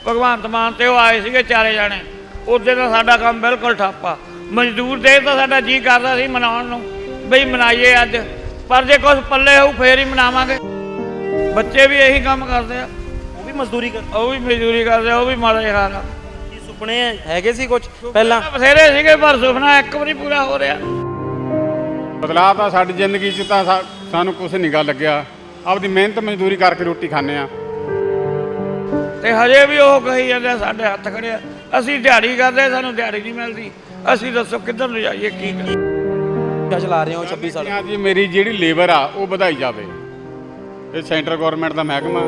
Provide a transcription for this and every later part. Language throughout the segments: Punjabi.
ਭਗਵੰਤ ਮਾਨ ਤੇ ਉਹ ਆਏ ਸੀਗੇ ਚਾਰੇ ਜਾਣੇ, ਉਹਦੇ ਦਾ ਸਾਡਾ ਕੰਮ ਬਿਲਕੁਲ ਠੱਪਾ। ਮਜ਼ਦੂਰ ਦੇ ਤਾਂ ਸਾਡਾ ਜੀ ਕਰਦਾ ਸੀ ਮਨਾਉਣ ਨੂੰ, ਬਈ ਮਨਾਈਏ ਅੱਜ, ਪਰ ਜੇ ਕੁਛ ਪੱਲੇ ਹੋਊ ਫੇਰ ਹੀ ਮਨਾਵਾਂਗੇ। ਬੱਚੇ ਵੀ ਇਹੀ ਕੰਮ ਕਰਦੇ ਆ, ਉਹ ਵੀ ਮਜ਼ਦੂਰੀ ਕਰਦੇ ਆ, ਉਹ ਵੀ ਮਾੜੇ ਹਾਲ ਆ। ਕੀ ਸੁਪਨੇ ਹੈਗੇ ਸੀ ਕੁਝ ਪਹਿਲਾਂ? ਬਥੇਰੇ ਸੀਗੇ ਪਰ ਸੁਪਨਾ ਇੱਕ ਵੀ ਨਹੀਂ ਪੂਰਾ ਹੋ ਰਿਹਾ। ਬਦਲਾਅ ਤਾਂ ਸਾਡੀ ਜ਼ਿੰਦਗੀ 'ਚ ਤਾਂ ਸਾਨੂੰ ਕੁਛ ਨਹੀਂ ਗਾ ਲੱਗਿਆ। ਆਪਦੀ ਮਿਹਨਤ ਮਜ਼ਦੂਰੀ ਕਰਕੇ ਰੋਟੀ ਖਾਂਦੇ ਆ ਤੇ ਹਜੇ ਵੀ ਉਹ ਕਹੀ ਜਾਂਦੇ ਸਾਡੇ ਹੱਥ ਖੜਿਆ, ਅਸੀਂ ਦਿਹਾੜੀ ਕਰਦੇ, ਸਾਨੂੰ ਦਿਹਾੜੀ ਨਹੀਂ ਮਿਲਦੀ। ਅਸੀਂ ਦੱਸੋ ਕਿੱਧਰ ਨੂੰ ਜਾਈਏ, ਕੀ ਕਰੀਏ? ਕਿਆ ਚਲਾ ਰਹੇ ਹੋ 26 ਸਾਲ? ਜੀ ਮੇਰੀ ਜਿਹੜੀ ਲੇਬਰ ਆ ਉਹ ਵਧਾਈ ਜਾਵੇ। ਇਹ ਸੈਂਟਰ ਗਵਰਨਮੈਂਟ ਦਾ ਮਹਿਕਮਾ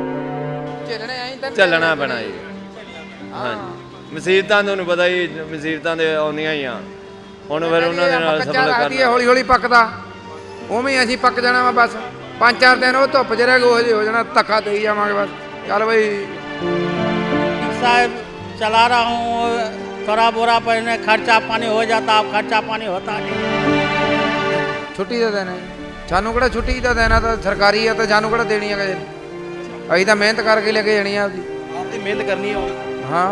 ਚੱਲਣਾ ਪੈਣਾ ਜੀ। ਹਾਂਜੀ, ਮੁਸੀਬਤਾਂ ਤੁਹਾਨੂੰ ਪਤਾ ਹੀ, ਮੁਸੀਬਤਾਂ ਦੇ ਆਉਂਦੀਆਂ ਹੀ ਆ। ਹੁਣ ਫਿਰ ਉਹਨਾਂ ਦੇ ਨਾਲ ਸਫਲ ਕਰਨਾ। ਹੌਲੀ ਹੌਲੀ ਪੱਕਦਾ, ਉਵੇਂ ਅਸੀਂ ਪੱਕ ਜਾਣਾ ਵਾ। ਬਸ 5-4 ਦਿਨ ਉਹ ਧੁੱਪ ਚ ਰਹਿ ਗਏ, ਉਹ ਜਿਹੇ ਹੋ ਜਾਣਾ, ਧੱਕਾ ਦੇਈ ਜਾਵਾਂਗੇ ਬਸ। ਚੱਲ ਬਈ साहब चला रहा हूँ, थोड़ा बोरा पहले खर्चा पानी हो जाता, अब खर्चा पानी होता नहीं। ਛੁੱਟੀ ਦਾ ਦਿਨ ਹੈ, ਸਾਨੂੰ ਕਿਹੜਾ ਛੁੱਟੀ ਦਾ ਦਿਨ ਆ, ਤਾਂ ਸਰਕਾਰੀ ਆ, ਤਾਂ ਸਾਨੂੰ ਕਿਹੜਾ ਦੇਣੀ ਆ ਕਿਸੇ ਨੇ। ਅਸੀਂ ਤਾਂ ਮਿਹਨਤ ਕਰਕੇ ਲੈ ਕੇ ਜਾਣੀ ਆ ਆਪਦੀ। ਆਪਦੀ ਮਿਹਨਤ ਕਰਨੀ ਹੋ। ਹਾਂ,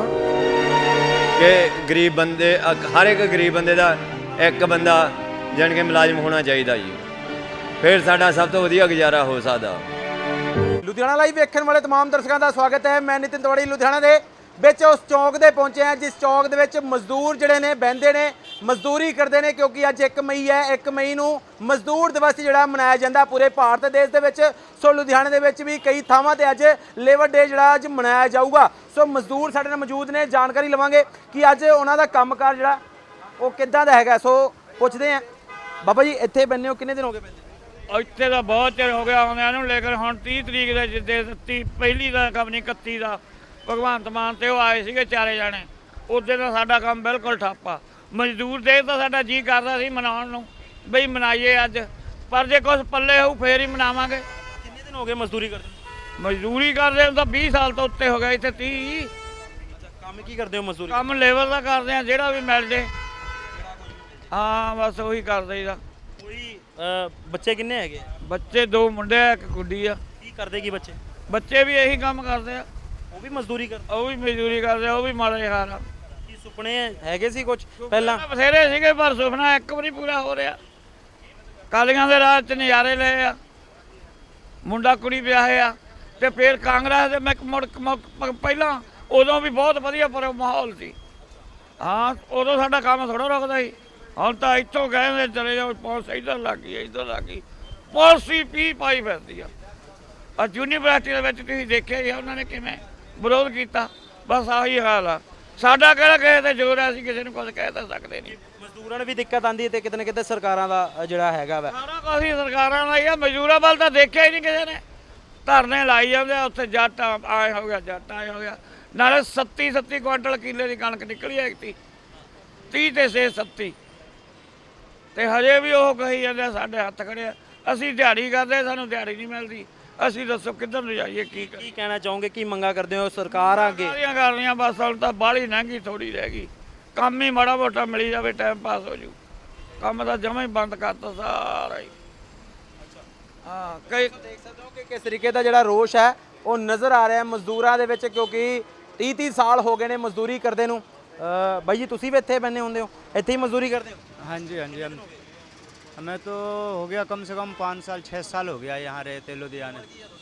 ਕਿ ਗਰੀਬ ਬੰਦੇ, ਹਰ ਇੱਕ ਗਰੀਬ ਬੰਦੇ ਦਾ ਇੱਕ ਬੰਦਾ ਜਾਣੀ ਕਿ ਮੁਲਾਜ਼ਮ ਹੋਣਾ ਚਾਹੀਦਾ ਜੀ, ਫਿਰ ਸਾਡਾ ਸਭ ਤੋਂ ਵਧੀਆ ਗੁਜ਼ਾਰਾ ਹੋ ਸਕਦਾ। ਲੁਧਿਆਣਾ ਲਾਈਵ ਵੇਖਣ ਵਾਲੇ तमाम ਦਰਸ਼ਕਾਂ ਦਾ ਸਵਾਗਤ ਹੈ। ਮੈਂ ਨਿਤਿਨ ਤਿਵਾੜੀ ਲੁਧਿਆਣਾ ਦੇ ਵਿੱਚ ਉਸ ਚੌਂਕ ਦੇ ਪਹੁੰਚੇ ਹਾਂ ਜਿਸ ਚੌਂਕ ਦੇ ਵਿੱਚ ਮਜ਼ਦੂਰ ਜਿਹੜੇ ਨੇ ਬਹਿੰਦੇ ਨੇ, ਮਜ਼ਦੂਰੀ ਕਰਦੇ ਨੇ, ਕਿਉਂਕਿ ਅੱਜ 1 ਮਈ ਹੈ। 1 ਮਈ ਨੂੰ ਮਜ਼ਦੂਰ ਦਿਵਸ ਜਿਹੜਾ ਮਨਾਇਆ ਜਾਂਦਾ ਪੂਰੇ ਭਾਰਤ ਦੇਸ਼ ਦੇ ਵਿੱਚ। ਸੋ ਲੁਧਿਆਣੇ ਦੇ ਵਿੱਚ ਵੀ ਕਈ ਥਾਵਾਂ ਤੇ ਅੱਜ ਲੇਬਰ ਡੇ ਜਿਹੜਾ ਅੱਜ ਮਨਾਇਆ ਜਾਊਗਾ। ਸੋ ਮਜ਼ਦੂਰ ਸਾਡੇ ਨਾਲ ਮੌਜੂਦ ਨੇ, ਜਾਣਕਾਰੀ ਲਵਾਂਗੇ ਕਿ ਅੱਜ ਉਹਨਾਂ ਦਾ ਕੰਮਕਾਰ ਜਿਹੜਾ ਉਹ ਕਿੱਦਾਂ ਦਾ ਹੈਗਾ। ਸੋ ਪੁੱਛਦੇ ਹਾਂ, ਬਾਬਾ ਜੀ ਇੱਥੇ ਬੰਨੇ ਹੋ ਕਿੰਨੇ ਦਿਨ ਹੋ ਗਏ ਬੰਦੇ? ਇੱਥੇ ਤਾਂ ਬਹੁਤ ਚਿਰ ਹੋ ਗਿਆ ਆਉਂਦਿਆਂ ਨੂੰ, ਲੇਕਿਨ ਹੁਣ 30 ਤਰੀਕ ਦੇ ਜਿੱਦੇ 31 ਦਾ ਕੰਮ ਨਹੀਂ, 31 ਦਾ ਭਗਵੰਤ ਮਾਨ ਤੇ ਉਹ ਆਏ ਸੀਗੇ ਚਾਰੇ ਜਾਣੇ, ਉਹਦੇ ਦਾ ਸਾਡਾ ਕੰਮ ਬਿਲਕੁਲ ਠੱਪਾ। ਮਜ਼ਦੂਰ ਦੇ ਤਾਂ ਸਾਡਾ ਜੀ ਕਰਦਾ ਸੀ ਮਨਾਉਣ ਨੂੰ, ਬਈ ਮਨਾਈਏ ਅੱਜ, ਪਰ ਜੇ ਕੁਛ ਪੱਲੇ ਹੋਊ ਫੇਰ ਹੀ ਮਨਾਵਾਂਗੇ। ਕਿੰਨੇ ਦਿਨ ਹੋ ਗਏ ਮਜ਼ਦੂਰੀ ਕਰਦੇ? ਮਜ਼ਦੂਰੀ ਕਰਦੇ ਹੁਣ ਤਾਂ 20 ਸਾਲ ਤੋਂ ਉੱਤੇ ਹੋ ਗਿਆ, ਇੱਥੇ 30। ਅੱਛਾ, ਕੰਮ ਕੀ ਕਰਦੇ ਹੋ ਮਜ਼ਦੂਰੀ? ਕੰਮ ਲੇਬਰ ਦਾ ਕਰਦੇ ਆ, ਜਿਹੜਾ ਵੀ ਮਿਲ ਜੇ। ਹਾਂ ਬਸ ਉਹੀ ਕਰਦੇ ਦਾ। ਕੋਈ ਬੱਚੇ ਕਿੰਨੇ ਹੈਗੇ? ਬੱਚੇ 2 ਮੁੰਡੇ ਆ, 1 ਕੁੜੀ ਆ। ਕੀ ਕਰਦੇ ਕੀ ਬੱਚੇ? ਬੱਚੇ ਵੀ ਇਹੀ ਕੰਮ ਕਰਦੇ ਆ, ਉਹ ਵੀ ਮਜ਼ਦੂਰੀ ਕਰਦੇ? ਉਹ ਵੀ ਮਜ਼ਦੂਰੀ ਕਰਦੇ ਆ, ਉਹ ਵੀ ਮਾੜੇ ਹਾਲ ਆ। ਕੀ ਸੁਪਨੇ ਹੈਗੇ ਸੀ ਕੁਝ ਪਹਿਲਾਂ? ਬਥੇਰੇ ਸੀਗੇ ਪਰ ਸੁਪਨਾ ਇੱਕ ਵੀ ਨਹੀਂ ਪੂਰਾ ਹੋ ਰਿਹਾ। ਕਾਲੀਆਂ ਦੇ ਰਾਜ 'ਚ ਨਜ਼ਾਰੇ ਲਏ ਆ, ਮੁੰਡਾ ਕੁੜੀ ਵਿਆਹੇ ਆ, ਤੇ ਫਿਰ ਕਾਂਗਰਸ ਦੇ ਪਹਿਲਾਂ ਉਦੋਂ ਵੀ ਬਹੁਤ ਵਧੀਆ ਪਰ ਮਾਹੌਲ ਸੀ। ਹਾਂ, ਉਦੋਂ ਸਾਡਾ ਕੰਮ ਥੋੜ੍ਹਾ ਰੁਕਦਾ ਸੀ। ਹੁਣ ਤਾਂ ਇੱਥੋਂ ਕਹਿੰਦੇ ਚਲੇ ਜਾਓ, ਪੁਲਿਸ ਇੱਧਰ ਲੱਗ ਗਈ, ਇੱਧਰ ਲੱਗ ਗਈ, ਪੁਲਿਸ ਹੀ ਪੀ ਪਾਈ ਫਿਰਦੀ ਆ। ਯੂਨੀਵਰਸਿਟੀ ਦੇ ਵਿੱਚ ਤੁਸੀਂ ਦੇਖਿਆ ਹੀ ਉਹਨਾਂ ਨੇ ਕਿਵੇਂ ਵਿਰੋਧ ਕੀਤਾ। ਬਸ ਆਹੀ ਹਾਲ ਆ ਸਾਡਾ। ਕਿਹੜਾ ਕਿਸੇ ਤੇ ਜ਼ੋਰ ਆ, ਅਸੀਂ ਕਿਸੇ ਨੂੰ ਕੁਝ ਕਹਿ ਤਾਂ ਸਕਦੇ ਨਹੀਂ। ਮਜ਼ਦੂਰਾਂ ਨੂੰ ਵੀ ਦਿੱਕਤ ਆਉਂਦੀ ਹੈ ਤੇ ਕਿਤੇ ਨਾ ਕਿਤੇ ਸਰਕਾਰਾਂ ਦਾ ਜਿਹੜਾ ਹੈਗਾ ਵਾ, ਸਾਰਾ ਕੁਝ ਹੀ ਸਰਕਾਰਾਂ ਦਾ ਹੀ ਆ। ਮਜ਼ਦੂਰਾਂ ਵੱਲ ਤਾਂ ਦੇਖਿਆ ਹੀ ਨਹੀਂ ਕਿਸੇ ਨੇ। ਧਰਨੇ ਲਾਈ ਜਾਂਦੇ ਆ, ਉੱਥੇ ਜੱਟ ਆਏ ਹੋ ਗਿਆ, ਜੱਟ ਆਏ ਹੋ ਗਿਆ। ਨਾਲੇ 37 ਕੁਆਂਟਲ ਕਿੱਲੇ ਦੀ ਕਣਕ ਨਿਕਲੀ ਹੈ, 30 ਤੇ 6 37, ਤੇ ਹਜੇ ਵੀ ਉਹ ਕਹੀ ਜਾਂਦੇ ਸਾਡੇ ਹੱਥ ਖੜਿਆ, ਅਸੀਂ ਦਿਹਾੜੀ ਕਰਦੇ, ਸਾਨੂੰ ਦਿਹਾੜੀ ਨਹੀਂ ਮਿਲਦੀ। ਅਸੀਂ ਦੱਸੋ ਕਿੱਧਰ ਨੂੰ ਜਾਈਏ, ਕੀ ਕਰੀਏ? ਕੀ ਕਹਿਣਾ ਚਾਹੋਗੇ, ਕੀ ਮੰਗਾ ਕਰਦੇ ਹੋ ਸਰਕਾਰ ਅੱਗੇ? ਸਾਰੀਆਂ ਕਰਨੀਆਂ, ਬਸ ਹੁਣ ਤਾਂ ਬਾਹਲੀ ਮਹਿੰਗੀ ਥੋੜੀ ਰਹਿ ਗਈ। ਕੰਮ ਹੀ ਮਾੜਾ ਮੋਟਾ ਮਿਲੀ ਜਾਵੇ, ਟਾਈਮ ਪਾਸ ਹੋ ਜੂ। ਕੰਮ ਤਾਂ ਜਮਾਂ ਹੀ ਬੰਦ ਕਰਤਾ ਸਾਰਾ ਹੀ। ਹਾਂ, ਕਈ ਦੇਖ ਸਕਦੇ ਹੋ ਕਿ ਕਿਸ ਤਰੀਕੇ ਦਾ ਜਿਹੜਾ ਰੋਸ਼ ਹੈ ਉਹ ਨਜ਼ਰ ਆ ਰਿਹਾ ਮਜ਼ਦੂਰਾਂ ਦੇ ਵਿੱਚ, ਕਿਉਂਕਿ 30 ਸਾਲ ਹੋ ਗਏ ਨੇ ਮਜ਼ਦੂਰੀ ਕਰਦੇ ਨੂੰ। ਬਾਈ ਜੀ ਤੁਸੀਂ ਵੀ ਇੱਥੇ ਬੰਨੇ ਹੁੰਦੇ ਹੋ, ਇੱਥੇ ਹੀ ਮਜ਼ਦੂਰੀ ਕਰਦੇ ਹੋ? हाँ जी, हाँ जी। हमें तो हो गया कम से कम 5 साल 6 साल हो गया यहाँ रहते लुधियाने।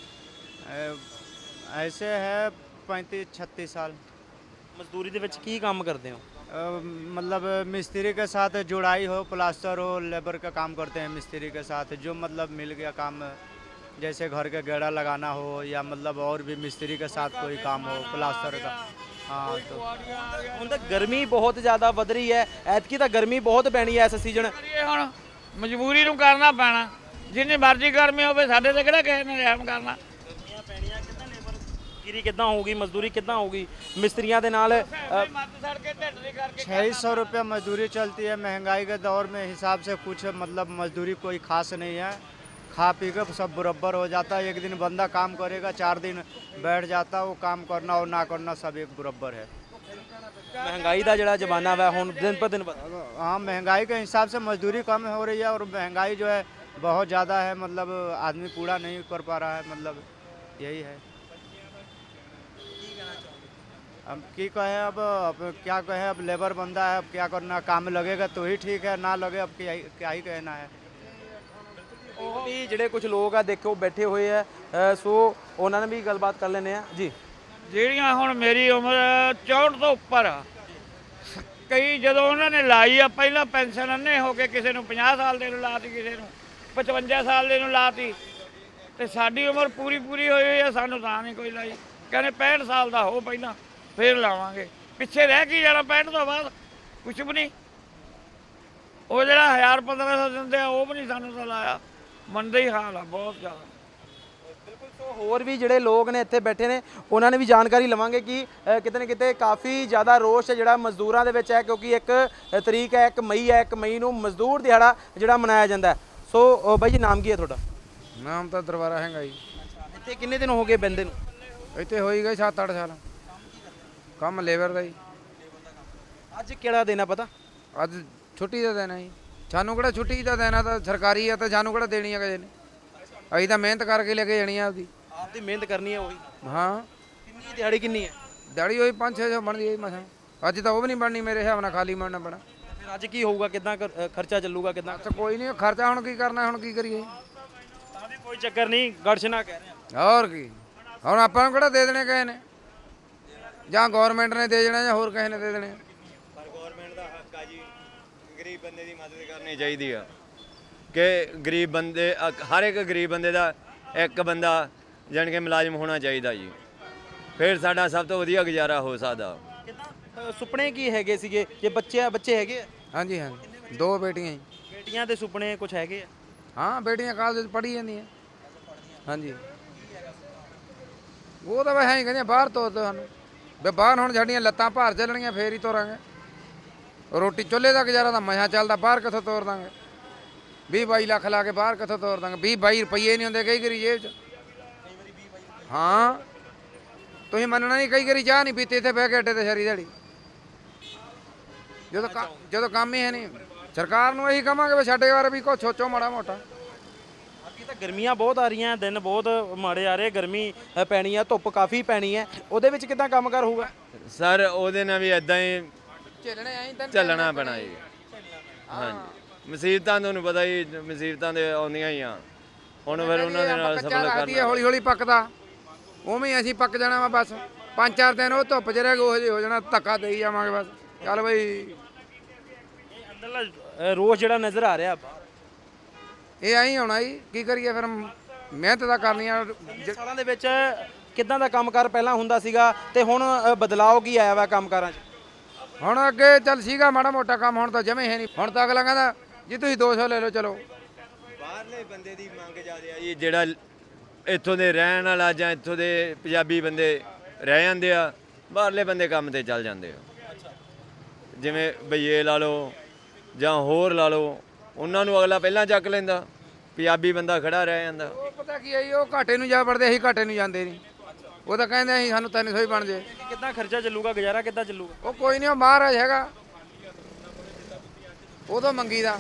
ऐसे है 35-36 साल। ਮਜ਼ਦੂਰੀ ਦੇ ਵਿੱਚ ਕੀ ਕੰਮ ਕਰਦੇ ਹੋ? मतलब मिस्त्री के साथ जुड़ाई हो, प्लास्टर हो, लेबर का काम करते हैं मिस्त्री के साथ। जो मतलब मिल गया काम, जैसे घर के गेड़ा लगाना हो या मतलब और भी मिस्त्री के साथ कोई काम हो, प्लास्टर का। हाँ, तो ਹੁਣ ਤਾਂ ਗਰਮੀ ਬਹੁਤ ਜ਼ਿਆਦਾ ਵੱਧ ਰਹੀ ਹੈ, ਐਤਕੀ ਤਾਂ ਗਰਮੀ ਬਹੁਤ ਪੈਣੀ ਹੈ ਇਸ ਸੀਜ਼ਨ। ਹੁਣ ਮਜਬੂਰੀ ਨੂੰ ਕਰਨਾ ਪੈਣਾ, ਜਿੰਨੀ ਮਰਜ਼ੀ ਗਰਮੀ ਹੋਵੇ, ਸਾਡੇ ਤੇ ਕਿਹੜਾ ਕਿਸੇ ਨੇ ਰਹਿਮ ਕਰਨਾ। ਗਰਮੀਆਂ ਪੈਣੀਆਂ, ਕਿੱਦਾਂ ਲੇਬਰ ਗਿਰੀ ਕਿੱਦਾਂ ਹੋਊਗੀ, ਮਜ਼ਦੂਰੀ ਕਿੱਦਾਂ ਹੋਊਗੀ ਮਿਸਤਰੀਆਂ ਦੇ ਨਾਲ? 600 रुपया मजदूरी चलती है। महंगाई के दौर में हिसाब से कुछ मतलब मजदूरी कोई खास नहीं है। खा पी के सब बराबर हो जाता है। एक दिन बंदा काम करेगा, 4 दिन बैठ जाता, वो काम करना और ना करना सब एक बराबर है। महंगाई का जड़ा जमाना है ਹੁਣ दिन पर दिन हाँ, महंगाई के हिसाब से मजदूरी कम हो रही है और महंगाई जो है बहुत ज़्यादा है। मतलब आदमी पूरा नहीं कर पा रहा है, मतलब यही है। अब की कहें अब क्या कहें, अब लेबर बंदा है, अब क्या करना, काम लगेगा तो ही ठीक है, ना लगे अब क्या ही कहना है। ਉਹ ਵੀ ਜਿਹੜੇ ਕੁਝ ਲੋਕ ਆ ਦੇਖੋ ਬੈਠੇ ਹੋਏ ਆ ਸੋ ਉਹਨਾਂ ਨਾਲ ਵੀ ਗੱਲਬਾਤ ਕਰ ਲੈਂਦੇ ਆ ਜੀ। ਜਿਹੜੀਆਂ ਹੁਣ ਮੇਰੀ ਉਮਰ 64 ਤੋਂ ਉੱਪਰ ਆ, ਕਈ ਜਦੋਂ ਉਹਨਾਂ ਨੇ ਲਾਈ ਆ ਪਹਿਲਾਂ ਪੈਨਸ਼ਨ ਅੰਨੇ ਹੋ ਕੇ ਕਿਸੇ ਨੂੰ 50 ਸਾਲ ਦੇ ਨੂੰ ਲਾਤੀ, ਕਿਸੇ ਨੂੰ 55 ਸਾਲ ਦੇ ਨੂੰ ਲਾਤੀ, ਤੇ ਸਾਡੀ ਉਮਰ ਪੂਰੀ ਹੋਈ ਹੋਈ ਆ, ਸਾਨੂੰ ਤਾਂ ਨਹੀਂ ਕੋਈ ਲਾਈ। ਕਹਿੰਦੇ 65 ਸਾਲ ਦਾ ਹੋ ਪਹਿਲਾਂ ਫੇਰ ਲਾਵਾਂਗੇ। ਪਿੱਛੇ ਰਹਿ ਕੀ ਜਾਣਾ 65 ਤੋਂ ਬਾਅਦ, ਕੁਛ ਵੀ ਨਹੀਂ। ਉਹ ਜਿਹੜਾ 1000-1500 ਦਿੰਦੇ ਆ ਉਹ ਵੀ ਨਹੀਂ ਸਾਨੂੰ ਤਾਂ ਲਾਇਆ। ਮੰਦਾ ਹੀ ਹਾਲ ਆ ਬਹੁਤ ਜ਼ਿਆਦਾ। ਬਿਲਕੁਲ। ਸੋ ਹੋਰ ਵੀ ਜਿਹੜੇ ਲੋਕ ਨੇ ਇੱਥੇ ਬੈਠੇ ਨੇ ਉਹਨਾਂ ਨੇ ਵੀ ਜਾਣਕਾਰੀ ਲਵਾਂਗੇ ਕਿ ਕਿਤੇ ਨਾ ਕਿਤੇ ਕਾਫੀ ਜ਼ਿਆਦਾ ਰੋਸ਼ ਜਿਹੜਾ ਮਜ਼ਦੂਰਾਂ ਦੇ ਵਿੱਚ ਹੈ, ਕਿਉਂਕਿ 1 ਤਰੀਕ ਹੈ, 1 ਮਈ ਹੈ, 1 ਮਈ ਨੂੰ ਮਜ਼ਦੂਰ ਦਿਹਾੜਾ ਜਿਹੜਾ ਮਨਾਇਆ ਜਾਂਦਾ ਹੈ। ਸੋ ਬਾਈ ਜੀ ਨਾਮ ਕੀ ਹੈ ਤੁਹਾਡਾ? ਨਾਮ ਤਾਂ ਦਰਬਾਰਾ ਹੈਗਾ ਜੀ। ਇੱਥੇ ਕਿੰਨੇ ਦਿਨ ਹੋ ਗਏ ਬੰਦੇ ਨੂੰ? ਇੱਥੇ ਹੋਈ ਗਏ 7-8 ਸਾਲ। ਕੰਮ ਲੇਬਰ ਦਾ ਜੀ। ਅੱਜ ਕਿਹੜਾ ਦਿਨ ਆ ਪਤਾ? ਅੱਜ ਛੁੱਟੀ ਦਾ ਦਿਨ ਹੈ ਜੀ। ਸਾਨੂੰ ਕਿਹੜਾ ਛੁੱਟੀ ਦਾ ਦਿਨ ਆ, ਤਾਂ ਸਰਕਾਰੀ ਆ, ਤਾਂ ਸਾਨੂੰ ਕਿਹੜਾ ਦੇਣੀ ਆ ਕਿਸੇ ਨੇ। ਅਸੀਂ ਤਾਂ ਮਿਹਨਤ ਕਰਕੇ ਲੈ ਕੇ ਜਾਣੀ ਆ ਆਪਦੀ। ਆਪਦੀ ਮਿਹਨਤ ਕਰਨੀ ਹੈ ਉਹੀ। ਹਾਂ। ਕਿੰਨੀ ਦਿਹਾੜੀ ਕਿੰਨੀ ਹੈ? ਦਿਹਾੜੀ ਹੋਈ 500-600 ਬਣਦੀ ਹੈ ਮਸਾਂ। ਅੱਜ ਤਾਂ ਉਹ ਵੀ ਨਹੀਂ ਬਣਨੀ ਮੇਰੇ ਹਿਸਾਬ ਨਾਲ, ਖਾਲੀ ਬਣਨਾ ਪੈਣਾ। ਫਿਰ ਅੱਜ ਕੀ ਹੋਊਗਾ, ਕਿੱਦਾਂ ਖਰਚਾ ਚੱਲੂਗਾ, ਕਿੱਦਾਂ? ਤਾਂ ਕੋਈ ਨਹੀਂ, ਖਰਚਾ ਹੁਣ ਕੀ ਕਰਨਾ, ਹੁਣ ਕੀ ਕਰੀਏ। ਤਾਂ ਵੀ ਕੋਈ ਚੱਕਰ ਨਹੀਂ, ਗੜਸ਼ਨਾ ਕਹਿ ਰਹੇ ਆ। ਹੋਰ ਕੀ, ਹੁਣ ਆਪਾਂ ਨੂੰ ਕਿਹੜਾ ਦੇ ਦੇਣੇ ਕਿਸੇ ਨੇ, ਜਾਂ ਗਵਰਨਮੈਂਟ ਨੇ ਦੇ ਦੇਣਾ ਜਾਂ ਹੋਰ ਕਿਸੇ ਨੇ ਦੇ ਦੇਣੇ। ਪਰ ਗਵਰਨਮੈਂਟ ਦਾ ਹੱਕ ਆ ਜੀ, ਗਰੀਬ ਬੰਦੇ ਦੀ ਮਦਦ ਕਰਨੀ ਚਾਹੀਦੀ ਆ ਕਿ ਗਰੀਬ ਬੰਦੇ ਹਰ ਇੱਕ ਗਰੀਬ ਬੰਦੇ ਦਾ ਇੱਕ ਬੰਦਾ ਜਾਣੀ ਕਿ ਮੁਲਾਜ਼ਮ ਹੋਣਾ ਚਾਹੀਦਾ ਜੀ। ਫਿਰ ਸਾਡਾ ਸਭ ਤੋਂ ਵਧੀਆ ਗੁਜ਼ਾਰਾ ਹੋ ਸਕਦਾ। ਸੁਪਨੇ ਕੀ ਹੈਗੇ ਸੀਗੇ ਜੇ ਬੱਚੇ ਹੈਗੇ ਆ? ਹਾਂਜੀ ਹਾਂ, 2 ਬੇਟੀਆਂ ਜੀ। ਬੇਟੀਆਂ ਦੇ ਸੁਪਨੇ ਕੁਝ ਹੈਗੇ ਆ? ਹਾਂ, ਬੇਟੀਆਂ ਕਾਲਜ ਵਿੱਚ ਪੜ੍ਹੀ ਜਾਂਦੀਆਂ। ਹਾਂਜੀ। ਉਹ ਤਾਂ ਵੈਸੇ ਹੀ ਕਹਿੰਦੇ ਬਾਹਰ ਤੋਰ ਦਿਓ ਸਾਨੂੰ, ਵੀ ਬਾਹਰ ਹੁਣ ਸਾਡੀਆਂ ਲੱਤਾਂ ਭਾਰ ਚੱਲਣੀਆਂ ਫੇਰ ਹੀ ਤੋਰਾਂਗੇ। ਰੋਟੀ ਚੁੱਲ੍ਹੇ ਦਾ ਗੁਜ਼ਾਰਾ ਤਾਂ ਮਸਾਂ ਚੱਲਦਾ, ਬਾਹਰ ਕਿੱਥੋਂ ਤੋਰ ਦਾਂਗੇ। 20-22 ਲੱਖ ਲਾ ਕੇ ਬਾਹਰ ਕਿੱਥੋਂ ਤੋਰ ਦਾਂਗੇ? 20-22 ਰੁਪਈਏ ਨਹੀਂ ਹੁੰਦੇ ਕਈ ਵਾਰੀ ਜੇਬ 'ਚ। ਹਾਂ, ਤੁਸੀਂ ਮੰਨਣਾ ਨਹੀਂ, ਕਈ ਵਾਰੀ ਚਾਹ ਨਹੀਂ ਪੀਤੀ ਇੱਥੇ ਬਹਿ ਕੇ ਅੱਡੇ ਤੇ ਸਾਰੀ ਦਿਹਾੜੀ, ਜਦੋਂ ਕੰਮ ਹੀ ਹੈ ਨਹੀਂ। ਸਰਕਾਰ ਨੂੰ ਇਹੀ ਕਹਾਂਗੇ ਵੀ ਸਾਡੇ ਬਾਰੇ ਵੀ ਕੁਛ ਸੋਚੋ ਮਾੜਾ ਮੋਟਾ। ਅੱਗੇ ਤਾਂ ਗਰਮੀਆਂ ਬਹੁਤ ਆ ਰਹੀਆਂ, ਦਿਨ ਬਹੁਤ ਮਾੜੇ ਆ ਰਹੇ, ਗਰਮੀ ਪੈਣੀ ਆ, ਧੁੱਪ ਕਾਫੀ ਪੈਣੀ ਹੈ, ਉਹਦੇ ਵਿੱਚ ਕਿੱਦਾਂ ਕੰਮਕਾਰ ਹੋਊਗਾ? ਸਰ ਉਹਦੇ ਨਾਲ ਵੀ ਇਦਾਂ ਹੀ ਝੇਲਣੇ ਚੱਲਣਾ ਪੈਣਾ ਜੀ। ਹਾਂਜੀ, ਮੁਸੀਬਤਾਂ ਤੁਹਾਨੂੰ ਪਤਾ ਹੀ, ਮੁਸੀਬਤਾਂ ਦੇ ਆਉਂਦੀਆਂ ਹੀ ਆ। ਹੁਣ ਫਿਰ ਉਹਨਾਂ ਦੇ ਨਾਲ ਸਫਲ ਕਰਨਾ। ਹੌਲੀ ਹੌਲੀ ਪੱਕਦਾ, ਉਵੇਂ ਅਸੀਂ ਪੱਕ ਜਾਣਾ ਵਾ ਬਸ। 5-4 ਦਿਨ ਉਹ ਧੁੱਪ 'ਚ ਰਹਿ ਗਏ, ਉਹ ਜਿਹੇ ਹੋ ਜਾਣਾ, ਧੱਕਾ ਦੇਈ ਜਾਵਾਂਗੇ ਬਸ। ਚੱਲ ਬਈ, ਅੰਦਰਲਾ ਰੋਜ਼ ਜਿਹੜਾ ਨਜ਼ਰ ਆ ਰਿਹਾ ਇਹ ਐਂ ਹੋਣਾ ਜੀ, ਕੀ ਕਰੀਏ ਫਿਰ, ਮਿਹਨਤ ਤਾਂ ਕਰਨੀ ਆ। ਸਾਲਾਂ ਦੇ ਵਿੱਚ ਕਿੱਦਾਂ ਦਾ ਕੰਮਕਾਰ ਪਹਿਲਾਂ ਹੁੰਦਾ ਸੀਗਾ ਤੇ ਹੁਣ ਬਦਲਾਅ ਕੀ ਆਇਆ ਵਾ ਕੰਮਕਾਰਾਂ 'ਚ? ਹੁਣ ਅੱਗੇ ਚੱਲ ਸੀਗਾ ਮਾੜਾ ਮੋਟਾ ਕੰਮ, ਹੁਣ ਤਾਂ ਜਮੇ ਹੈ ਨਹੀਂ। ਹੁਣ ਤਾਂ ਅਗਲਾ ਕਹਿੰਦਾ ਜੀ ਤੁਸੀਂ 200 ਲੈ ਲਓ ਚਲੋ। ਬਾਹਰਲੇ ਬੰਦੇ ਦੀ ਮੰਗ ਜ਼ਿਆਦਾ ਆ ਜੀ, ਜਿਹੜਾ ਇੱਥੋਂ ਦੇ ਰਹਿਣ ਵਾਲਾ ਜਾਂ ਇੱਥੋਂ ਦੇ ਪੰਜਾਬੀ ਬੰਦੇ ਰਹਿ ਜਾਂਦੇ ਆ, ਬਾਹਰਲੇ ਬੰਦੇ ਕੰਮ ਤੇ ਚੱਲ ਜਾਂਦੇ ਆ। ਜਿਵੇਂ ਬਈਏ ਲਾ ਲਓ ਜਾਂ ਹੋਰ ਲਾ ਲਓ, ਉਹਨਾਂ ਨੂੰ ਅਗਲਾ ਪਹਿਲਾਂ ਚੱਕ ਲੈਂਦਾ, ਪੰਜਾਬੀ ਬੰਦਾ ਖੜਾ ਰਹਿ ਜਾਂਦਾ। ਉਹ ਪਤਾ ਕੀ ਹੈ ਜੀ, ਉਹ ਘਾਟੇ ਨੂੰ ਜਾ ਵੜਦੇ, ਅਸੀਂ ਘਾਟੇ ਨੂੰ ਜਾਂਦੇ ਨਹੀਂ। ਉਹ ਤਾਂ ਕਹਿੰਦੇ ਅਸੀਂ ਸਾਨੂੰ 300 ਹੀ ਬਣ ਜੇ। ਕਿੱਦਾਂ ਖਰਚਾ ਚੱਲੂਗਾ, ਗੁਜ਼ਾਰਾ ਕਿੱਦਾਂ ਚੱਲੂਗਾ? ਉਹ ਕੋਈ ਨਹੀਂ, ਉਹ ਮਹਾਰਾਜ ਹੈਗਾ, ਉਦੋਂ ਮੰਗੀ ਦਾ।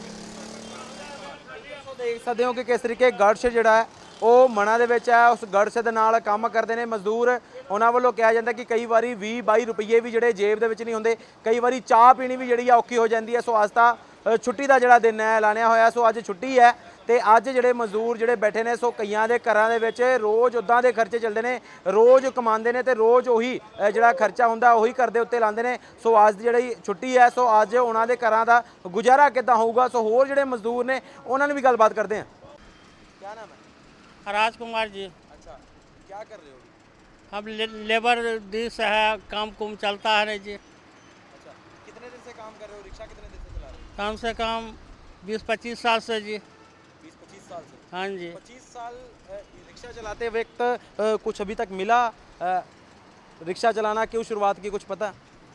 ਦੇਖ ਸਕਦੇ ਹੋ ਕਿ ਕਿਸ ਤਰੀਕੇ ਗੜਸ਼ ਜਿਹੜਾ ਹੈ ਉਹ ਮਨਾਂ ਦੇ ਵਿੱਚ ਹੈ। ਉਸ ਗੜਸ਼ ਦੇ ਨਾਲ ਕੰਮ ਕਰਦੇ ਨੇ ਮਜ਼ਦੂਰ। ਉਹਨਾਂ ਵੱਲੋਂ ਕਿਹਾ ਜਾਂਦਾ ਕਿ ਕਈ ਵਾਰੀ 20-22 ਰੁਪਏ ਵੀ ਜਿਹੜੇ ਜੇਬ ਦੇ ਵਿੱਚ ਨਹੀਂ ਹੁੰਦੇ, ਕਈ ਵਾਰੀ ਚਾਹ ਪੀਣੀ ਵੀ ਜਿਹੜੀ ਆ ਔਖੀ ਹੋ ਜਾਂਦੀ ਹੈ। ਸੋ ਅੱਜ ਤਾਂ ਛੁੱਟੀ ਦਾ ਜਿਹੜਾ ਦਿਨ ਹੈ ਐਲਾਨਿਆ ਹੋਇਆ, ਸੋ ਅੱਜ ਛੁੱਟੀ ਹੈ ਤੇ ਅੱਜ ਜਿਹੜੇ ਮਜ਼ਦੂਰ ਜਿਹੜੇ ਬੈਠੇ ਨੇ, ਸੋ ਕਈਆਂ ਦੇ ਘਰਾਂ ਦੇ ਵਿੱਚ ਰੋਜ਼ ਉੱਦਾਂ ਦੇ ਖਰਚੇ ਚੱਲਦੇ ਨੇ, ਰੋਜ਼ ਕਮਾਉਂਦੇ ਨੇ ਤੇ ਰੋਜ਼ ਉਹੀ ਜਿਹੜਾ ਖਰਚਾ ਹੁੰਦਾ ਉਹੀ ਘਰ ਦੇ ਉੱਤੇ ਲਾਉਂਦੇ ਨੇ। ਸੋ ਅੱਜ ਦੀ ਜਿਹੜੀ ਛੁੱਟੀ ਹੈ, ਸੋ ਅੱਜ ਉਹਨਾਂ ਦੇ ਘਰਾਂ ਦਾ ਗੁਜ਼ਾਰਾ ਕਿੱਦਾਂ ਹੋਊਗਾ? ਸੋ ਹੋਰ ਜਿਹੜੇ ਮਜ਼ਦੂਰ ਨੇ ਉਹਨਾਂ ਨਾਲ ਵੀ ਗੱਲਬਾਤ ਕਰਦੇ ਹਾਂ। ਕੀ ਨਾਮ ਹੈ? राजकुमार जी। अच्छा, क्या कर रहे हो? अब लेबर दिस है, काम कुम चलता है जी। अच्छा, कितने दिन से काम कर रहे हो? रिक्शा कितने दिन से चला रहे हो? कम से कम 20-25 साल से जी। 20-25 साल से? हाँ जी। 25 साल रिक्शा चलाते वक्त कुछ अभी तक मिला? रिक्शा चलाना क्यों शुरुआत की, कुछ पता?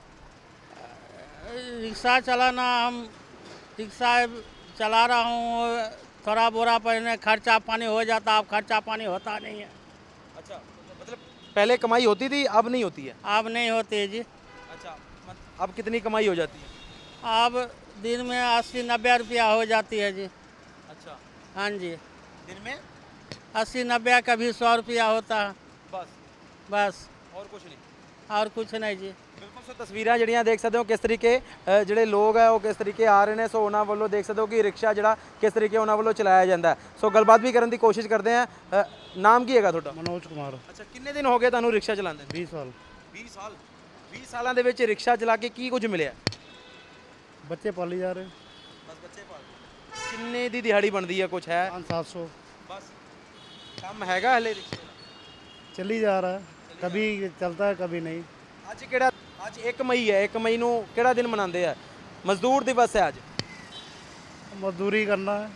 रिक्शा चलाना, हम रिक्शा चला रहा हूँ, थोड़ा बोरा पहले खर्चा पानी हो जाता, अब खर्चा पानी होता नहीं है। अच्छा, मतलब पहले कमाई होती थी, अब नहीं होती है? अब नहीं होती जी। अच्छा, अब कितनी कमाई हो जाती है? अब दिन में 80-90 रुपया हो जाती है जी। अच्छा, हाँ जी, दिन में 80-90, कभी 100 रुपया होता है बस, बस। और कुछ नहीं? और कुछ नहीं जी। ਬਿਲਕੁਲ ਸੋ ਤਸਵੀਰਾਂ ਜਿਹੜੀਆਂ ਦੇਖ ਸਕਦੇ ਹੋ ਕਿਸ ਤਰੀਕੇ ਜਿਹੜੇ ਲੋਕ ਹੈ ਉਹ ਕਿਸ ਤਰੀਕੇ ਆ ਰਹੇ ਨੇ। ਸੋ ਉਹਨਾਂ ਵੱਲੋਂ ਦੇਖ ਸਕਦੇ ਹੋ ਕਿ ਰਿਕਸ਼ਾ ਜਿਹੜਾ ਕਿਸ ਤਰੀਕੇ ਉਹਨਾਂ ਵੱਲੋਂ ਚਲਾਇਆ ਜਾਂਦਾ ਹੈ। ਸੋ ਗੱਲਬਾਤ ਵੀ ਕਰਨ ਦੀ ਕੋਸ਼ਿਸ਼ ਕਰਦੇ ਆ। ਨਾਮ ਕੀ ਹੈਗਾ ਤੁਹਾਡਾ? मनोज कुमार। ਅੱਛਾ, ਕਿੰਨੇ ਦਿਨ ਹੋ ਗਏ ਤੁਹਾਨੂੰ ਰਿਕਸ਼ਾ ਚਲਾਉਂਦੇ? 20 साल। 20 ਸਾਲ। 20 ਸਾਲਾਂ ਦੇ ਵਿੱਚ ਰਿਕਸ਼ਾ ਚਲਾ ਕੇ ਕੀ ਕੁਝ ਮਿਲਿਆ? बच्चे पाली जा रहे। ਬਸ ਬੱਚੇ ਪਾਲ। ਕਿੰਨੇ ਦੀ ਦਿਹਾੜੀ ਬਣਦੀ ਹੈ, ਕੁਝ ਹੈ? 500-700 ਬਸ ਕੰਮ ਹੈਗਾ ਹਲੇ ਰਿਕਸ਼ੇ ਦਾ? चली जा रहा है, कभी चलता है कभी नहीं। ਅੱਜ ਕਿਹੜਾ? ਅੱਜ 1 ਮਈ ਹੈ। 1 ਮਈ ਨੂੰ ਕਿਹੜਾ ਦਿਨ ਮਨਾਉਂਦੇ ਆ? ਮਜ਼ਦੂਰ ਦਿਵਸ ਹੈ ਅੱਜ। मजदूरी करना है।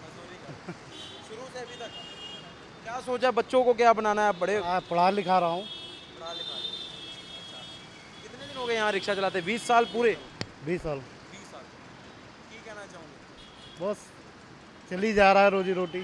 शुरू से अभी तक क्या सोचा, बच्चों को क्या बनाना है? बड़े पढ़ा लिखा रहा हूँ। पढ़ा लिखा। अच्छा, कितने दिन हो गए यहाँ रिक्शा चलाते? 20 साल पूरे? 20 साल। 20 साल। की कहना चाहूँगे? बस चली जा रहा है रोजी रोटी।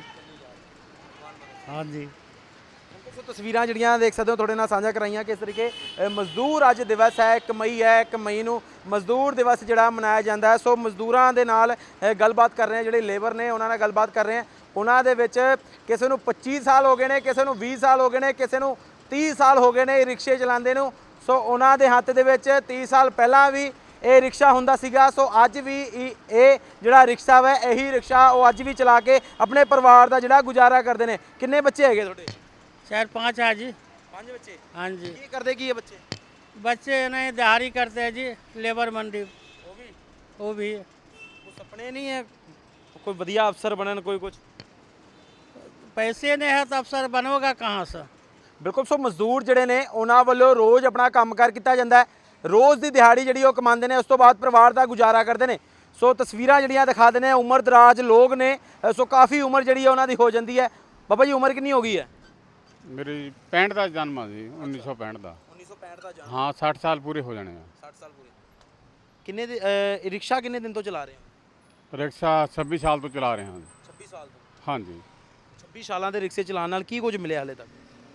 हाँ जी। ਸੋ ਤਸਵੀਰਾਂ ਜਿਹੜੀਆਂ ਦੇਖ ਸਕਦੇ ਹੋ ਤੁਹਾਡੇ ਨਾਲ ਸਾਂਝਾ ਕਰਾਈਆਂ ਕਿਸ ਤਰੀਕੇ ਮਜ਼ਦੂਰ ਅੱਜ ਦਿਵਸ ਹੈ। 1 ਮਈ ਹੈ। 1 ਮਈ ਨੂੰ ਮਜ਼ਦੂਰ ਦਿਵਸ ਜਿਹੜਾ ਮਨਾਇਆ ਜਾਂਦਾ ਹੈ। ਸੋ ਮਜ਼ਦੂਰਾਂ ਦੇ ਨਾਲ ਗੱਲਬਾਤ ਕਰ ਰਹੇ ਹਾਂ, ਜਿਹੜੇ ਲੇਬਰ ਨੇ ਉਹਨਾਂ ਨਾਲ ਗੱਲਬਾਤ ਕਰ ਰਹੇ ਹਾਂ। ਉਹਨਾਂ ਦੇ ਵਿੱਚ ਕਿਸੇ ਨੂੰ 25 ਸਾਲ ਹੋ ਗਏ ਨੇ, ਕਿਸੇ ਨੂੰ 20 ਸਾਲ ਹੋ ਗਏ ਨੇ, ਕਿਸੇ ਨੂੰ 30 ਸਾਲ ਹੋ ਗਏ ਨੇ ਰਿਕਸ਼ੇ ਚਲਾਉਂਦੇ ਨੂੰ। ਸੋ ਉਹਨਾਂ ਦੇ ਹੱਥ ਦੇ ਵਿੱਚ 30 ਸਾਲ ਪਹਿਲਾਂ ਵੀ ਇਹ ਰਿਕਸ਼ਾ ਹੁੰਦਾ ਸੀਗਾ। ਸੋ ਅੱਜ ਵੀ ਇਹ ਜਿਹੜਾ ਰਿਕਸ਼ਾ ਵਾ ਇਹੀ ਰਿਕਸ਼ਾ ਉਹ ਅੱਜ ਵੀ ਚਲਾ ਕੇ ਆਪਣੇ ਪਰਿਵਾਰ ਦਾ ਜਿਹੜਾ ਗੁਜ਼ਾਰਾ ਕਰਦੇ ਨੇ। ਕਿੰਨੇ ਬੱਚੇ ਹੈਗੇ ਤੁਹਾਡੇ? 4-5 है जी। 5 ਬੱਚੇ। हाँ जी। ਕੀ ਕਰਦੇ ਕੀ ਹੈ ਬੱਚੇ? बच्चे नहीं दिहाड़ी करते हैं जी, लेबर मंडी। वो भी ਕੋਈ ਸੁਪਨੇ ਨਹੀਂ ਹੈ ਕੋਈ ਵਧੀਆ ਅਫਸਰ ਬਣਨ, ਕੋਈ ਕੁਝ? पैसे नहीं है तो अफसर बनोगा कहाँ से? ਬਿਲਕੁਲ। ਸੋ ਮਜ਼ਦੂਰ ਜਿਹੜੇ ਨੇ ਉਹਨਾਂ ਵੱਲੋਂ ਰੋਜ਼ ਆਪਣਾ ਕੰਮਕਾਰ ਕੀਤਾ ਜਾਂਦਾ ਹੈ। ਰੋਜ਼ ਦੀ ਦਿਹਾੜੀ ਜਿਹੜੀ ਉਹ ਕਮਾਉਂਦੇ ਨੇ, ਉਸ ਤੋਂ ਬਾਅਦ ਪਰਿਵਾਰ ਦਾ ਗੁਜ਼ਾਰਾ ਕਰਦੇ ਨੇ। ਸੋ ਤਸਵੀਰਾਂ ਜਿਹੜੀਆਂ ਦਿਖਾ ਦਿੰਦੇ ਆ, ਉਮਰ ਦਰਾਜ ਲੋਕ ਨੇ। ਸੋ ਕਾਫੀ ਉਮਰ ਜਿਹੜੀ ਹੈ ਉਹਨਾਂ ਦੀ ਹੋ ਜਾਂਦੀ ਹੈ। ਬਾਬਾ ਜੀ ਉਮਰ ਕਿੰਨੀ ਹੋ ਗਈ ਹੈ? ਮੇਰੀ 65 ਦਾ ਜਨਮ ਆ ਜੀ, 1965 ਦਾ। 1965 ਦਾ ਜਨਮ। ਹਾਂ 60 ਸਾਲ ਪੂਰੇ ਹੋ ਜਾਣੇ ਆ। 60 ਸਾਲ ਪੂਰੇ। ਕਿੰਨੇ ਰਿਕਸ਼ਾ ਕਿੰਨੇ ਦਿਨ ਤੋਂ ਚਲਾ ਰਹੇ ਹੋ? ਰਿਕਸ਼ਾ 26 ਸਾਲ ਤੋਂ ਚਲਾ ਰਹੇ ਹਾਂ। 26 ਸਾਲ ਤੋਂ। ਹਾਂਜੀ। 26 ਸਾਲਾਂ ਦੇ ਰਿਕਸ਼ੇ ਚਲਾਉਣ ਨਾਲ ਕੀ ਕੁਝ ਮਿਲਿਆ ਹਲੇ ਤੱਕ?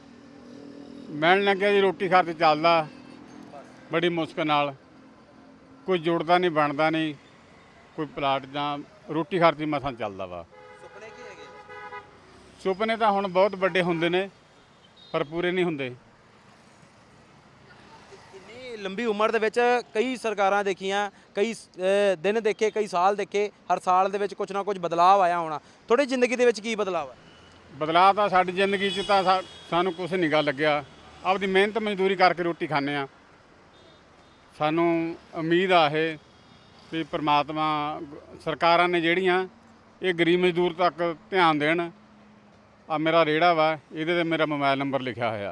ਮਿਲਣ ਲੱਗਿਆ ਜੀ ਰੋਟੀ ਖਰਚ ਚੱਲਦਾ ਬੜੀ ਮੁਸ਼ਕਲ ਨਾਲ। ਕੋਈ ਜੁੜਦਾ ਨਹੀਂ, ਬਣਦਾ ਨਹੀਂ। ਕੋਈ ਪਲਾਟ ਜਾਂ ਰੋਟੀ ਖਰਚ ਹੀ ਮਸਾਂ ਚੱਲਦਾ ਵਾ। ਸੁਪਨੇ ਕੀ ਹੈਗੇ? ਸੁਪਨੇ ਤਾਂ ਹੁਣ ਬਹੁਤ ਵੱਡੇ ਹੁੰਦੇ ਨੇ ਪਰ ਪੂਰੇ ਨਹੀਂ ਹੁੰਦੇ। ਇੰਨੀ ਲੰਬੀ ਉਮਰ ਦੇ ਵਿੱਚ ਕਈ ਸਰਕਾਰਾਂ ਦੇਖੀਆਂ, ਕਈ ਦਿਨ ਦੇਖੇ, ਕਈ ਸਾਲ ਦੇਖੇ। ਹਰ ਸਾਲ ਦੇ ਵਿੱਚ ਕੁਝ ਨਾ ਕੁਝ ਬਦਲਾਅ ਆਇਆ ਹੋਣਾ। ਤੁਹਾਡੀ ਜ਼ਿੰਦਗੀ ਦੇ ਵਿੱਚ ਕੀ ਬਦਲਾਅ ਹੈ? ਬਦਲਾਅ ਤਾਂ ਸਾਡੀ ਜ਼ਿੰਦਗੀ 'ਚ ਤਾਂ ਸਾਨੂੰ ਕੁਝ ਨਹੀਂ ਗਾ ਲੱਗਿਆ। ਆਪਦੀ ਮਿਹਨਤ ਮਜ਼ਦੂਰੀ ਕਰਕੇ ਰੋਟੀ ਖਾਂਦੇ ਆ। ਸਾਨੂੰ ਉਮੀਦ ਆ ਇਹ ਵੀ ਪ੍ਰਮਾਤਮਾ ਸਰਕਾਰਾਂ ਨੇ ਜਿਹੜੀਆਂ ਇਹ ਗਰੀਬ ਮਜ਼ਦੂਰ ਤੱਕ ਧਿਆਨ ਦੇਣ। ਆ ਮੇਰਾ ਰੇੜਾ ਵਾ, ਇਹਦੇ ਤੇ ਮੇਰਾ ਮੋਬਾਈਲ ਨੰਬਰ ਲਿਖਿਆ ਹੋਇਆ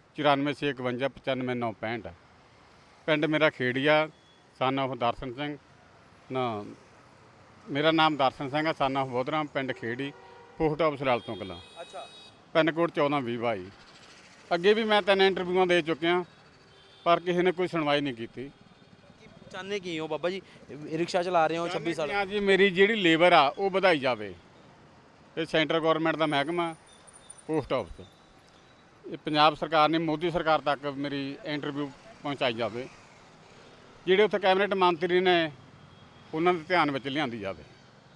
9465 95 ਪਿੰਡ ਮੇਰਾ ਖੇੜੀਆ। ਸਨ ਆਫ ਦਰਸ਼ਨ ਸਿੰਘ ਨਾ, ਮੇਰਾ ਨਾਮ ਦਰਸ਼ਨ ਸਿੰਘ ਆ। ਸਨ ਆਫ ਬੋਧਰਾਮ, ਪਿੰਡ ਖੇੜੀ, ਪੋਸਟ ਆਫਿਸ ਲਾਲ ਤੋਂ ਕਲਾਂ। ਅੱਛਾ। Pin code 1420 22। ਅੱਗੇ ਵੀ ਮੈਂ 3 ਇੰਟਰਵਿਊਆਂ ਦੇ ਚੁੱਕਿਆ ਪਰ ਕਿਸੇ ਨੇ ਕੋਈ ਸੁਣਵਾਈ ਨਹੀਂ ਕੀਤੀ। ਚਾਹੁੰਦੇ ਕੀ ਹੋ ਬਾਬਾ ਜੀ? ਰਿਕਸ਼ਾ ਚਲਾ ਰਹੇ ਹੋ 26 ਸਾਲ। ਜੀ ਮੇਰੀ ਜਿਹੜੀ ਲੇਬਰ ਆ ਉਹ ਵਧਾਈ ਜਾਵੇ। ਇਹ ਸੈਂਟਰ ਗਵਰਨਮੈਂਟ ਦਾ ਮਹਿਕਮਾ, ਪੋਸਟ ਆਫਿਸ, ਇਹ ਪੰਜਾਬ ਸਰਕਾਰ ਨੇ ਮੋਦੀ ਸਰਕਾਰ ਤੱਕ ਮੇਰੀ ਇੰਟਰਵਿਊ ਪਹੁੰਚਾਈ ਜਾਵੇ। ਜਿਹੜੇ ਉੱਥੇ ਕੈਬਨਿਟ ਮੰਤਰੀ ਨੇ ਉਹਨਾਂ ਦੇ ਧਿਆਨ ਵਿੱਚ ਲਿਆਂਦੀ ਜਾਵੇ।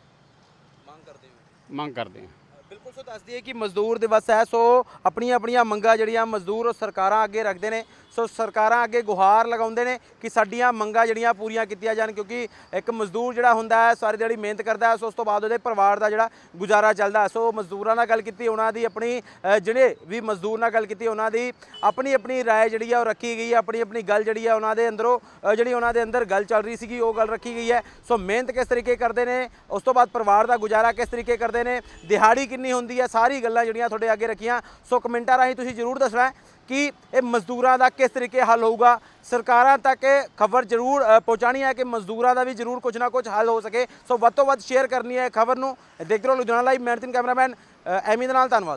ਮੰਗ ਕਰਦੇ ਹਾਂ। ਬਿਲਕੁਲ। ਸੋ ਦੱਸ ਦਈਏ ਕਿ ਮਜ਼ਦੂਰ ਦਿਵਸ ਹੈ। ਸੋ ਆਪਣੀਆਂ ਆਪਣੀਆਂ ਮੰਗਾਂ ਜਿਹੜੀਆਂ ਮਜ਼ਦੂਰ ਸਰਕਾਰਾਂ ਅੱਗੇ ਰੱਖਦੇ ਨੇ। ਸੋ ਸਰਕਾਰਾਂ ਅੱਗੇ ਗੁਹਾਰ ਲਗਾਉਂਦੇ ਨੇ ਕਿ ਸਾਡੀਆਂ ਮੰਗਾਂ ਜਿਹੜੀਆਂ ਪੂਰੀਆਂ ਕੀਤੀਆਂ ਜਾਣ, ਕਿਉਂਕਿ ਇੱਕ ਮਜ਼ਦੂਰ ਜਿਹੜਾ ਹੁੰਦਾ ਹੈ ਸਾਰੀ ਦਿਹਾੜੀ ਮਿਹਨਤ ਕਰਦਾ ਹੈ। ਸੋ ਉਸ ਤੋਂ ਬਾਅਦ ਉਹਦੇ ਪਰਿਵਾਰ ਦਾ ਜਿਹੜਾ ਗੁਜ਼ਾਰਾ ਚੱਲਦਾ ਹੈ। ਸੋ ਮਜ਼ਦੂਰਾਂ ਨਾਲ ਗੱਲ ਕੀਤੀ, ਉਹਨਾਂ ਦੀ ਆਪਣੀ ਜਿਹੜੇ ਵੀ ਮਜ਼ਦੂਰ ਨਾਲ ਗੱਲ ਕੀਤੀ, ਉਹਨਾਂ ਦੀ ਆਪਣੀ ਆਪਣੀ ਰਾਏ ਜਿਹੜੀ ਆ ਉਹ ਰੱਖੀ ਗਈ ਹੈ। ਆਪਣੀ ਆਪਣੀ ਗੱਲ ਜਿਹੜੀ ਆ ਉਹਨਾਂ ਦੇ ਅੰਦਰੋਂ ਜਿਹੜੀ ਉਹਨਾਂ ਦੇ ਅੰਦਰ ਗੱਲ ਚੱਲ ਰਹੀ ਸੀਗੀ ਉਹ ਗੱਲ ਰੱਖੀ ਗਈ ਹੈ। ਸੋ ਮਿਹਨਤ ਕਿਸ ਤਰੀਕੇ ਕਰਦੇ ਨੇ, ਉਸ ਤੋਂ ਬਾਅਦ ਪਰਿਵਾਰ ਦਾ ਗੁਜ਼ਾਰਾ ਕਿਸ ਤਰੀਕੇ ਕਰਦੇ ਨੇ, ਦਿਹਾੜੀ ਕਿੰਨੀ ਹੁੰਦੀ ਹੈ, ਸਾਰੀ ਗੱਲਾਂ ਜਿਹੜੀਆਂ ਤੁਹਾਡੇ ਅੱਗੇ ਰੱਖੀਆਂ। ਸੋ ਕਮੈਂਟਾਂ ਰਾਹੀਂ ਤੁਸੀਂ ਜ਼ਰੂਰ ਦੱਸਣਾ ਕਿ ਇਹ ਮਜ਼ਦੂਰਾਂ ਦਾ ਕਿਸ ਤਰੀਕੇ ਹੱਲ ਹੋਊਗਾ। ਸਰਕਾਰਾਂ ਤੱਕ ਖਬਰ ਜ਼ਰੂਰ ਪਹੁੰਚਾਉਣੀ ਹੈ ਕਿ ਮਜ਼ਦੂਰਾਂ ਦਾ ਵੀ ਜ਼ਰੂਰ ਕੁਝ ਨਾ ਕੁਝ ਹੱਲ ਹੋ ਸਕੇ। ਸੋ ਵੱਧ ਤੋਂ ਵੱਧ ਸ਼ੇਅਰ ਕਰਨੀ ਹੈ ਖਬਰ ਨੂੰ। ਦੇਖਦੇ ਰਹੋ ਲੁਧਿਆਣਾ ਲਾਈਵ। ਮੈਂ ਨਿਤਿਨ ਕੈਮਰਾਮੈਨ ਐਮੀ ਦੇ ਨਾਲ। ਧੰਨਵਾਦ।